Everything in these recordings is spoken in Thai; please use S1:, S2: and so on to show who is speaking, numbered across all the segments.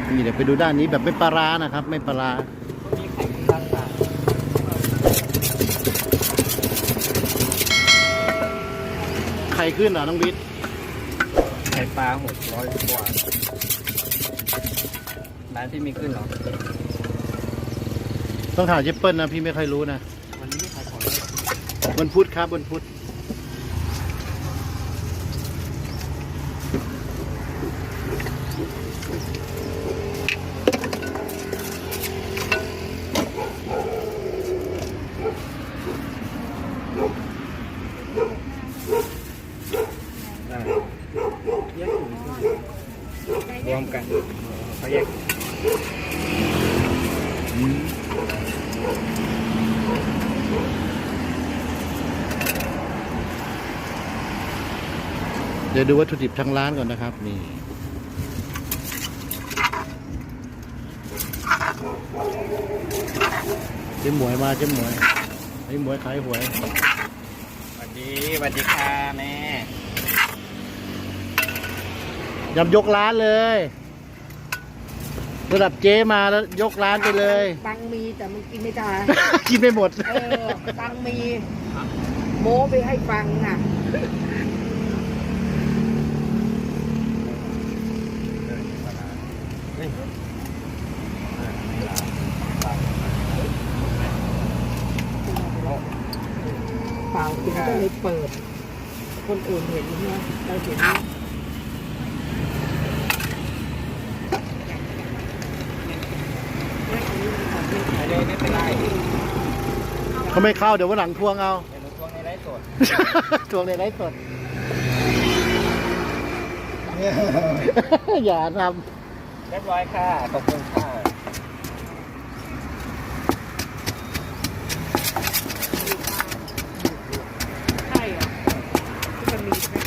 S1: นี่เดี๋ยวไปดูด้านนี้แบบไม่ปลาร้านะครับ ไม่ปลาร้าไข่ขึ้นเหรอน้องบิ๊ก
S2: ไข่ปลา600 กว่าร้านที่มีขึ้นเหรอ
S1: ต้องถามเจเปิ้ลนะพี่ไม่ค่อยรู้นะ
S2: วันนี้ไม่ขายของแล้ว
S1: วันพุธครับวันพุธ
S2: แยกถุงรวมกันเขาแยก
S1: เดี๋ยวดูวัตถุดิบทางร้านก่อนนะครับนี่เจ๊หมวยมาเจ๊หมวยไอ้หมวยขายหวย
S2: สวัสดีค่ะแม่
S1: ยำยกร้านเลยระดับเจ๊มาแล้วยกร้านไปเลย
S3: ตังมีแต่มันกินไม่ได้
S1: กินไม่หมด
S3: ตังมีโม้ไปให้ฟังน่ะเปล่ากินก็เลยเปิด คนอื่นเห็นใช่ไหมเราเห็น
S2: ไม่เป็นไร
S1: เขาไม่เข้าเดี๋ยววันหลังทวงเอา
S2: เดี๋ยวหนูทวงในไลฟ์สด
S1: ทวงในไลฟ์สด อย่าท
S2: เรียบร้อยค่ะขอบคุณค่ะ
S3: ใช่เหรอที่มันมีไหม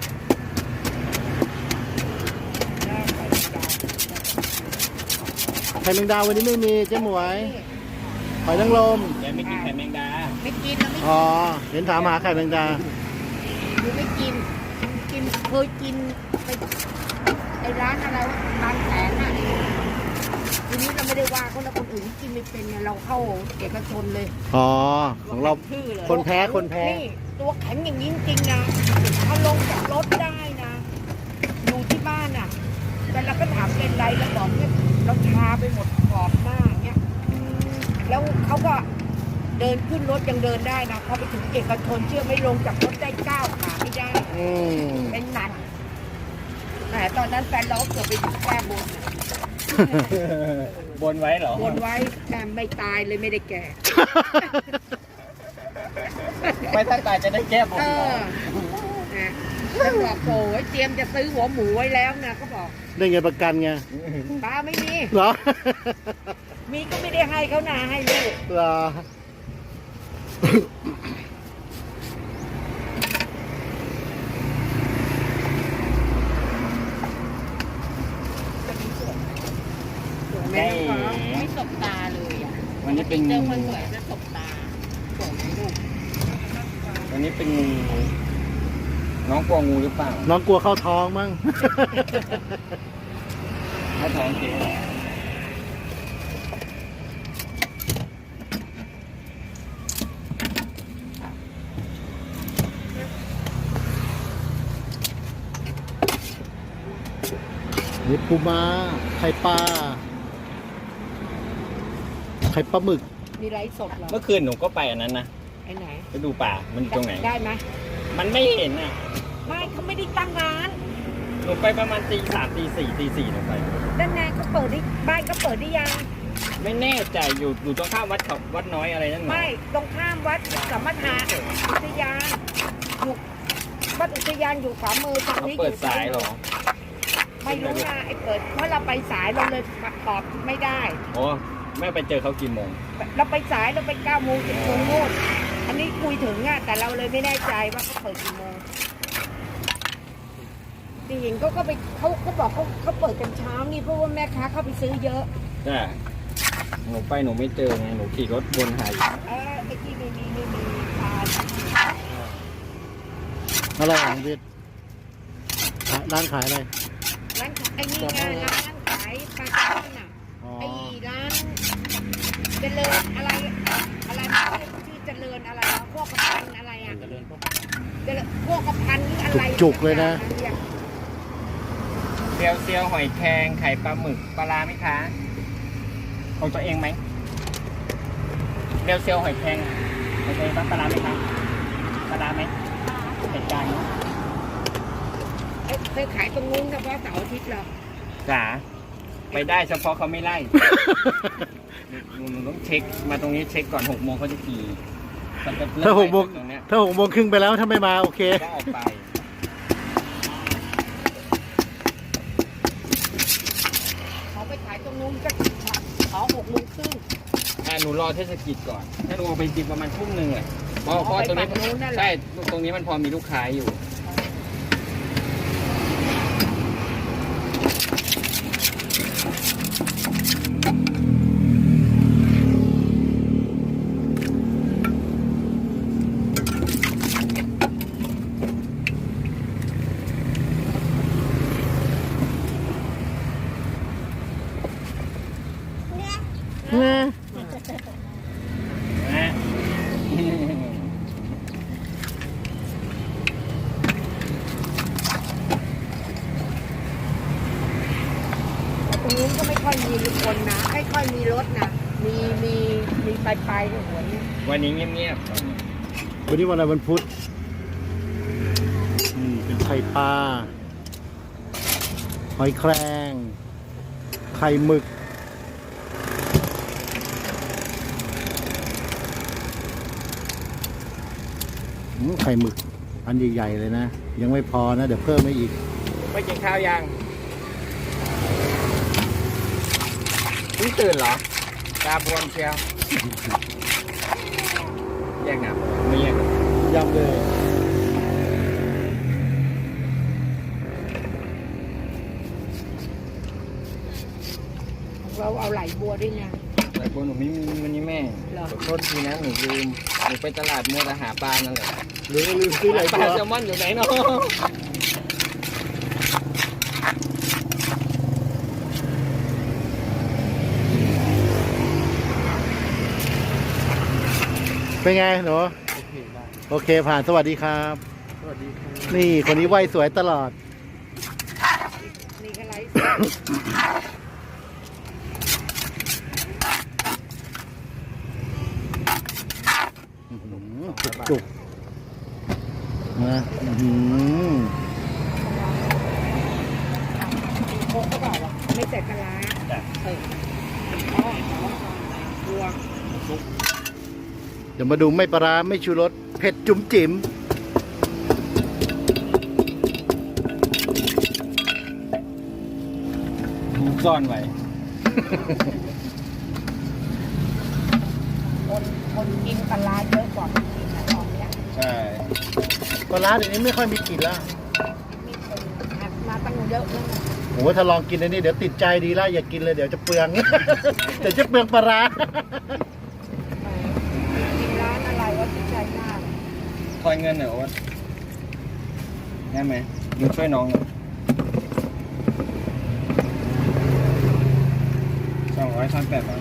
S1: ำไข่แมงดาวันนี้ไม่มีเจ๊หมวยหอยนางรม
S2: แกไม่กินไข่แมงดา
S3: ไม่กินนะไม่
S1: อ๋อเห็นถามหาไข่แมงดา
S3: หรือไม่กิน กินเคยกินไปไอ้ร้านอะไรวะบางแสนน่ะทีนี้เราไม่ได้ว่าคนละคนอื่นที่กินไม่เป็นเนี่ยเราเข้าเอกชนเลย
S1: อ๋อของเรา
S3: ชื่อเลย
S1: คนแพ้คนแพ้
S3: นี่ตัวแข็งอย่างนี้จริงๆนะถ้าลงจากรถได้นะอยู่ที่บ้านอ่ะ แต่เราก็ถามเป็นไรแล้วบอกเนี่ยเราชาไปหมดขอบหน้าเนี่ยแล้วเขาก็เดินขึ้นรถยังเดินได้นะพอไปถึงเอกชนเชื่อไม่ลงจากรถได้ก้าวขาไม่ได้
S1: อืม
S3: เป็นหนักแต่ตอนนั้นแฟนเราเกือบไปถึงแก้บนน่ะ
S2: บนไว้เหรอบ
S3: นไว้แต่ไม่ตายเลยไม่ได้แก่
S2: ไม่ถ้าตายจะได้แก้บน
S3: เอ
S2: เหรอ
S3: อนะฉันบอกโอ้ยเตรียมจะซื้อหัวหมูไว้แล้วนะเขาบอก
S1: ได้เงินประกันไง
S3: ป้าไม่มี
S1: เหรอ
S3: มีก็ไม่ได้ให้เขานาให้ลูก
S1: เหรอ
S3: สวยไหมน้องฟ้าไม่สบตาเลยอ่ะ
S2: วันนี้เป็น
S3: เจ
S2: งู
S3: อคนสวยจะสบตาสวยไหมลูก
S2: วันนี้เป็นงูน้องกลัวงูหรือเปล่า
S1: น้องกลัวเข้าท้องมั้ง
S2: ถ้าท้องเจ๊เหรอ
S1: นี่ปูม้าไข่ปลาไข่ปลาหมึก
S3: มีไลฟ์สดเหรอ
S2: เมื่อคืนหนูก็ไปอันนั้นนะ
S3: ไอ้ไหน
S2: ไปดูป่ามันอยู่ตรงไหน
S3: ได้ไหม
S2: มันไม่เห็นอ่ะ
S3: ไม่เขาไม่ได้ตั้งร้าน
S2: หนูไปประมาณตี 3 ตี 4 ตี 4หนูไป
S3: ด้านในเขาเปิดได้บ้านเขาเปิดได้ยัง
S2: ไม่แน่ใจอยู่ตรงข้ามวัดน้อยอะไรนั่นหรอ
S3: ไม่ตรงข้ามวัดสัมมาทานอุทยานอยู่วัดอุทยานอยู่ขวามือตรง
S2: เขา
S3: นี้อ
S2: เปิด
S3: ยู่
S2: สายเหรอ
S3: ไม่รู้นะไอ้เปิดเพราะเราไปสายเราเลยตอบไม่ได้
S2: โอ้แม่ไปเจอเขากี่โมง
S3: เราไปสายเราไป9 โมง10 โมงโน่นอันนี้คุยถึงอ่ะแต่เราเลยไม่แน่ใจว่าเขาเปิดกี่โมงจริงๆก็ไปเขาบอกเขาเปิดกันเช้านี่เพราะว่าแม่ค้าเข้าไปซื้อเยอะ
S2: จ้าหนูไปหนูไม่เจอไงหนูขี่รถวนหาอยู่
S3: ไอ้ที่ไม่มีปลา
S1: อะไรของวิทย์ร้านขายอะไร
S3: ร้านขายไอ้นี่ไงร้านขายปลาแซลมอนน่ะ
S1: อ๋อ
S3: ไอ้ร้านเจริญอะไรอะไรนะชื่อเจริญอะไรนะพวกกระพันอะไรอ่ะเจริญพวกกระพันหรืออะไร
S1: จุกๆเลยนะ
S2: เซียวหอยแครงไข่ปลาหมึกปลาร้าไหมคะของตัวเองไหมเซียวหอยแครงของตัวเองปลาร้าไหมคะปลาร้าไหมเหตุการณ์
S3: เคยขายตรงนู้นเฉพาะเสาร์อาทิตย์เหรอ
S2: จ๋าไปได้เฉพาะเขาไม่ไล่ หนูต้องเช็คมาตรงนี้เช็คก่อน6 โมงเขาจะขี่เขาจะเริ่
S1: ถ้าหกโมง
S2: ตรงเนี้ย
S1: ถ้า6 โมงครึ่งไปแล้วถ้าไม่มาโอเค
S2: ก็ออกไป
S3: เขาไปขายตรงนู้นก็ขอ6 โมงครึ่ง
S2: หนูรอเทศกิจก่อนถ้าหนูออกไปจริงประมาณทุ่มหนึ่งอ่ะเพราะตรงนี้
S3: ไปฝั่งนู้นนั่นแหละ
S2: ใช่ตรงนี้มันพอมีลูกค้าอยู่ นะ
S3: ตรงนู้นก็ไม่ค่อยมีคนนะไม่ค่อยมีรถนะมีไปกับหัวนี่
S2: วันนี้เงียบ
S1: วันนี้วันอะไรวันพุธเป็นไข่ปลา หอยแครง ไข่หมึก ไข่หมึก อันใหญ่ๆเลยนะ ยังไม่พอนะ เดี๋ยวเพิ่มให้อีก
S2: ๆไม่กินข้าวยังเพิ่งตื่นเหรอตาบวมเชียวแยกน้ำไม่แยกน้ำ
S1: ยำเลย
S3: เราเอาไหลบัวด้วยไง
S2: แต่คนหนูไม่มีวันนี้แม่
S3: เหรอ
S2: ขอโทษทีนะหนูลืมหนูไปตลาดมัวแต่หาปลานั่นแหละ
S1: หรือลืมซื้อไหล
S2: ป
S1: บั
S2: ลาว แซลมอนอยู่ไหนเนาะ
S1: เป็นไงหนูโอเคผ่านสวัสดีครับ
S2: สวัสดีครับ
S1: นี่คนนี้ไหวสวยตลอด
S3: นี่ก็ไหล
S1: จุกๆนะอื้อหือ
S3: โคกก็บอกว่าไม่ใส่ปลาร้าอ๋อบัว
S1: เดี๋ยวมาดูไม่ปลาร้าไม่ชูรสเผ็ดจุ๋มจิ๋ม
S2: ซ่อนไว้
S3: คนกินปลาร้าเยอะกว่าคนกินนะตอนเนี้ย
S2: ใช่
S1: ปลาร้าเดี๋ยวนี้ไม่ค่อยมีกลิ่นแล้ว
S3: มีคนมาตั้งเยอะแล้วนะ
S1: โอ้โหถ้าลองกินอันนี้เดี๋ยวติดใจดีแล้วอย่ากินเลยเดี๋ยวจะเปลือง เดี๋ยวจะเปลืองปลาร้า
S3: กินร้านอะไรวะที่ใจมาก
S2: ทอนเงินหน่อยโอ๊ตได้ไหมหนูช่วยน้องหน่อย200 1,800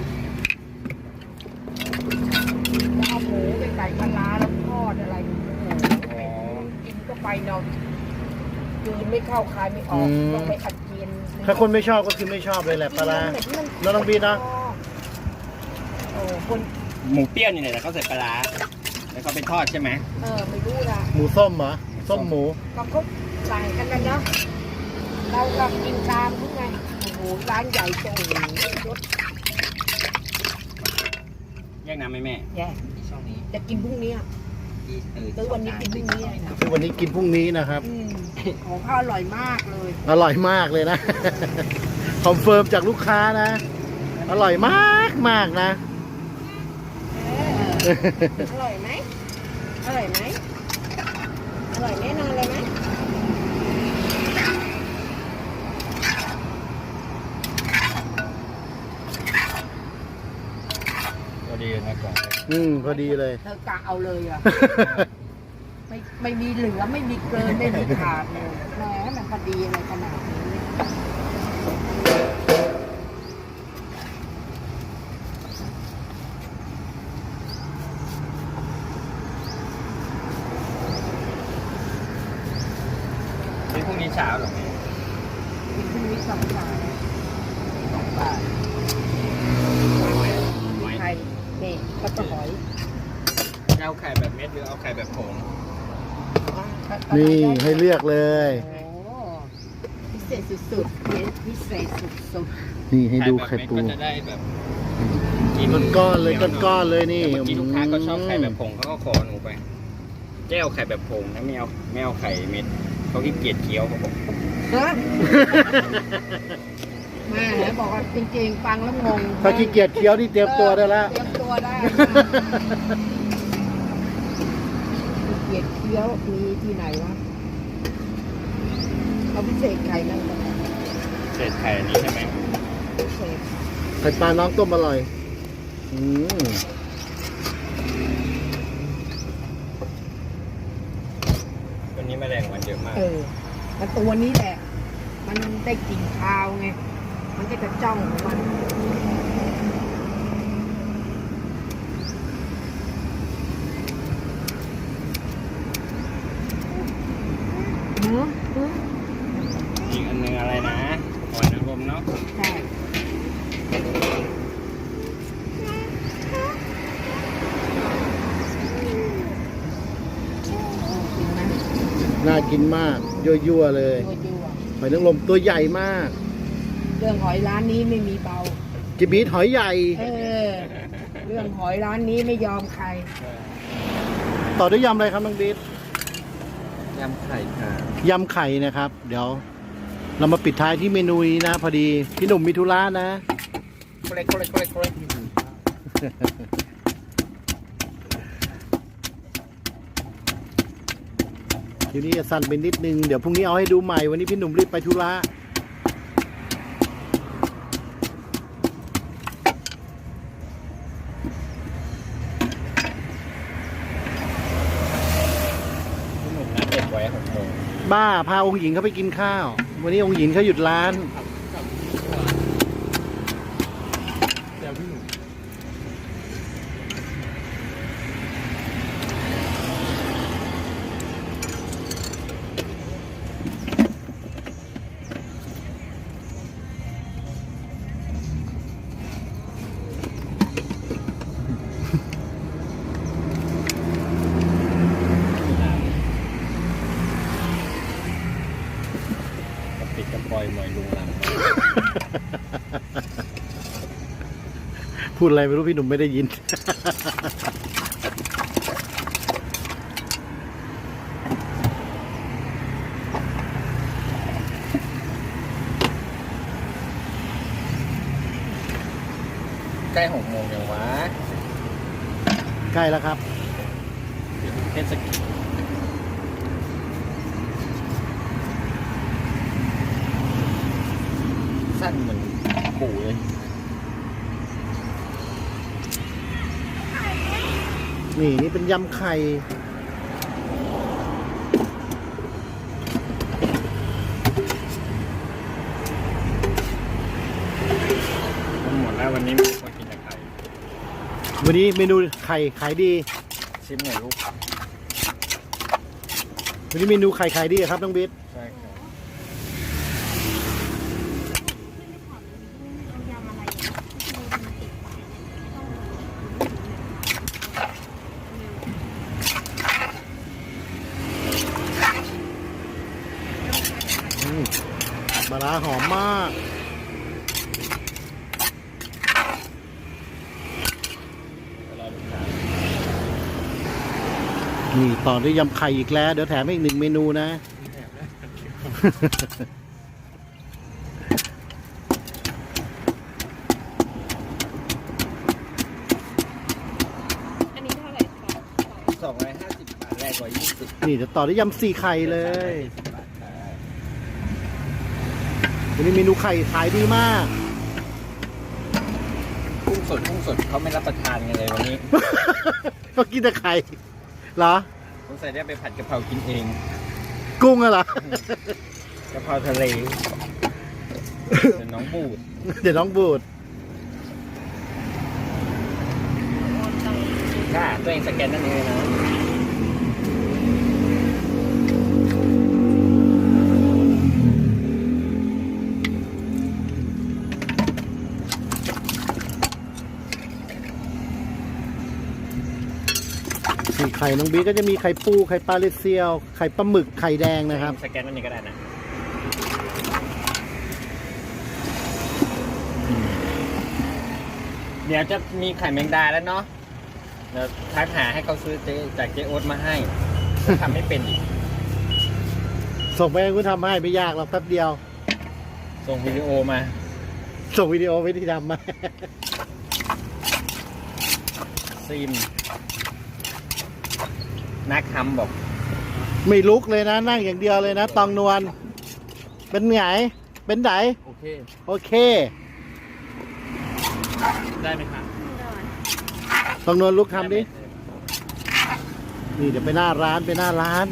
S3: แล้วเอาหมูไปใส่ปลาร้าแล้วทอดอะไรโอ้โหกินก็ไปเนาะกินไม่เข้าคายไม่ออกต้องไปอัดเจียน
S1: ถ้าคนไม่ชอบก็คือไม่ชอบเลยแหละปลาร้า แล้วน้องบีนะ
S3: โอ้คน
S2: หมูเปรี้ยวนี่แหละแต่เขาใส่ปลาร้าแล้วเขาไปทอดใช่ไหม
S3: ไม่รู้ละ
S1: หมูส้มเหรอส้มหมู
S3: ก็เขาสั่งกันนะเนาะเราก็กินตามเขาไงโอ้โหร้านใหญ่โตรถ
S2: แยกน้ำไหมแม่
S3: แย่จะกินพรุ่งนี้ซื้อวันนี้กินพรุ่งนี้นะ
S1: คือวันนี้กินพรุ่งนี้นะครับ
S3: ของเขาอร่อยมากเลย
S1: อร่อยมากเลยนะ คอนเฟิร์มจากลูกค้านะ อร่อยมากมากนะ
S3: อร่อยไหมอร่อยไหมอร่อยแน่นอนเลยไหม
S2: พอดีนะก่อน
S1: พอดีเลย
S3: เธอกะเอาเลยอ่ะ ไม่มีเหลือไม่มีเกินไม่มีขาดเลยแหมมันพอดีอะไรขนาดนี้
S2: เช้าหรอ
S3: กินพรุ่งนี้2 บาท
S2: 2 บาท
S3: ไข่นี่ก็จะหอย
S2: เอาไข่แบบเม็ดหรือเอาไข่แบบผง
S1: นี่ให้เลือกเลย
S3: โอ้พิเศษสุดๆพิเศษสุด
S1: นี่ให้ดูไข่ปู
S2: ก็จะได้แบบ
S1: ก้อนๆเลยก้อนๆเลยนี่
S2: เมื่อกี้ลูกค้าก็ชอบไข่แบบผงเขาก็ขอหนูไปเจ้าไข่แบบผงนะไม่เอาไข่เม็ดเขาขี้เกียจเคี้ยวเขาบอก
S3: ๆฮะแม่บอกว่าจริงๆฟังแล้วงง
S1: ถ้าขี้เกียจเคี้ยวที่เตรียมตัวได้แล้ว
S3: เตรียมตัวได้เกียจเคี้ยวมีที่ไหนวะเขาพิเศษไข่นั่นก็
S2: เศษไข่อันนี้ใช่ไหม
S3: พิเศษ
S1: ไข่ปลาน้องต้มอร่อย อืม
S2: วันนี้แมลงวันเยอะมาก
S3: มันตัวนี้แหละ มันได้กลิ่นคาวไง มันก็จะจ้องของมันหือ
S2: อีกอันนึงอะไรนะหอยนางรมเนาะ
S3: ใช่กินไหม
S1: น่ากินมาก ยั่วๆเลย
S3: ยั่ว
S1: หอยนางรมตัวใหญ่มาก
S3: ๆเรื่องหอยร้านนี้ไม่มีเบา
S1: จิบีทหอยใหญ่
S3: เรื่องหอยร้านนี้ไม่ยอมใคร
S1: ต่อด้วยยำอะไรครับน้องบีท
S2: ยำไข่ค่ะ
S1: ยำไข่นะครับ เดี๋ยว เรามาปิดท้ายที่เมนูนี้นะ พอดีพี่หนุ่มมีธุระนะ
S2: โคเล็ก
S1: ทีนี้จะสั้นไปนิดนึง เดี๋ยวพรุ่งนี้เอาให้ดูใหม่ วันนี้พี่หนุ่มรีบไปธุระ
S2: พี่หนุ่มนัดเด็กไว้6 โมง
S1: บ้า พาองค์หญิงเขาไปกินข้าว วันนี้องค์หญิงเขาหยุดร้าน
S2: เดี๋ยวพี่หนุ่ม ปิดกระปอยหมอยลุงลัง
S1: พูดอะไรไม่รู้พี่หนุ่มไม่ได้ยิน
S2: ใกล้6 โมงยังวะ
S1: ใกล้แล้วครับ
S2: เทศกิจสั้นเหมือนปู่เลย
S1: นี่เป็นยำไข่
S2: หมดแล้ววันนี้มีคนกินแต่ไข่
S1: วันนี้เมนูไข่ขายดี
S2: ชิมหน่อยลูก
S1: วันนี้เมนูไข่ขายดีอะครับน้องบิ๊ด
S2: ใช่ครับ
S1: ปลาร้าหอมมาก นี่ต่อด้วยยำไข่อีกแล้ว เดี๋ยวแถมให้อีก1 เมนูนะ
S4: อันนี้เท่าไหร่คะ
S2: 250 บาทแรกกว่า20
S1: นี่จะต่อด้วยยำ4 ไข่เลย
S2: 10 บาทค่ะ
S1: วันนี้เมนูไข่ขายดีมาก
S2: กุ้งสดเขาไม่รับประทานกันเลยวันนี้
S1: ก็กินแต่ไข่เหรอ
S2: สงสัยได้ไปผัดกะเพรากินเอง
S1: กุ้งอะเหรอ
S2: กะเพราทะเลเดี๋ยวน้องบูด
S1: เดี๋ยวน้องบูด
S2: ค่ะตัวเองสแกนนั่นเองนะ
S1: ไข่น้องบิ๊กก็จะมีไข่ปูไข่ปลาเลเซียวไข่ปลาหมึกไข่แดงนะครับ
S2: สแกนอันนี้ก็ได้นะเดี๋ยวจะมีไข่แมงดาแล้วเนาะเดี๋ยวทักหาให้เขาซื้อจากเจ๊โอ๊ตมาให้ทำไม่เป็นอีก
S1: ส่งไปให้คุณทำให้ไม่ยากหรอกแป๊บเดียว
S2: ส่งวิดีโอมา
S1: ส่งวิดีโอไปที่ทำมา
S2: ซิมนักทำบอก
S1: ไม่ลุกเลยนะนั่งอย่างเดียวเลยนะตองนวลเป็นไงเป็นไหน
S2: โอเค
S1: โอเค
S2: ได้ไหมครับ
S1: ตองนวลลุกทำดินี่เดี๋ยวไปหน้าร้านไปหน้าร้าน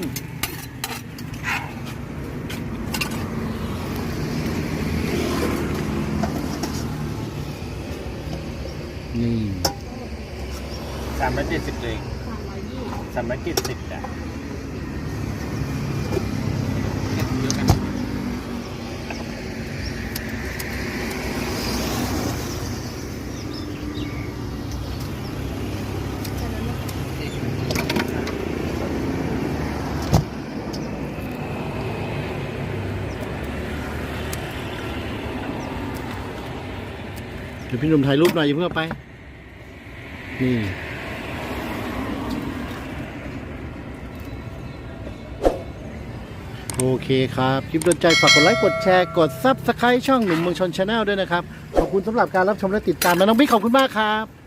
S1: นี่
S2: 370เลย370จ้ะ
S1: เดี๋ยวพี่หนุ่มถ่ายรูปหน่อยอย่าเพิ่งเอาไปนี่โอเคครับคลิปโดนใจฝากกดไลค์กดแชร์กด Subscribe ช่องหนุ่มเมืองชน Channel ด้วยนะครับขอบคุณสำหรับการรับชมและติดตามนะน้องบิ๊กขอบคุณมากครับ